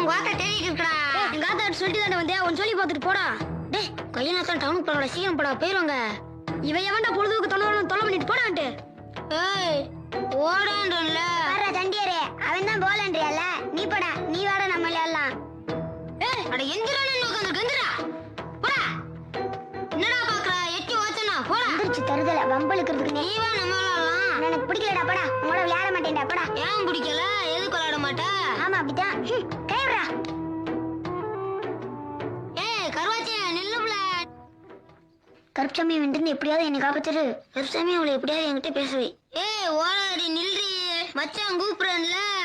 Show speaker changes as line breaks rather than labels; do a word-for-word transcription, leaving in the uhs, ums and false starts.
உங்க ஆத்தா தேடிட்டு இருக்கடா.
எங்க ஆத்தா சொல்லிட்டு தானே வந்தே, உன் சொல்லி பார்த்துட்டு போடா.
டேய் கையனாத்தான் டவுனுக்கு போறோட, சீக்கிரம் போடா, போயிருவாங்க.
இவன் எவன்டா பொழுதுக்கு தொலை தொலை பண்ணிட்டு போடான்ட்டு.
ஏய் ஓடான்றல
வர்ற தண்டியரே, அவன் தான் போலன்றியல்ல, நீ போடா, நீ வாட நம்ம விளையாடலாம்.
ஏய் அட எந்திரானே உட்கார்ந்து கந்திரா. போடா. என்னடா பாக்குற? எட்டி ஓச்சனா போடா.
எந்திரிச்சு தருதல வம்பளுக்கிறதுக்கு
நீ வா நம்ம விளையாடலாம்.
எனக்கு பிடிக்கலடா, போடா, உங்களோட விளையாட மாட்டேன்டா, போடா.
ஏன் பிடிக்கல? எதுக்கு விளையாட மாட்டே?
ஆமா அப்படிதான். கைவிடா.
ஏய் கருவாச்சி நில்லுப்ல.
கருப்சாமி வந்து எப்படியாவது என்னை காப்பாத்துரு.
கருப்சாமி அவளை எப்படியாவது என்கிட்ட பேசுவே. ஏய் ஓடாடி நில்றி, மச்சான் கூப்பிடுறேன்ல.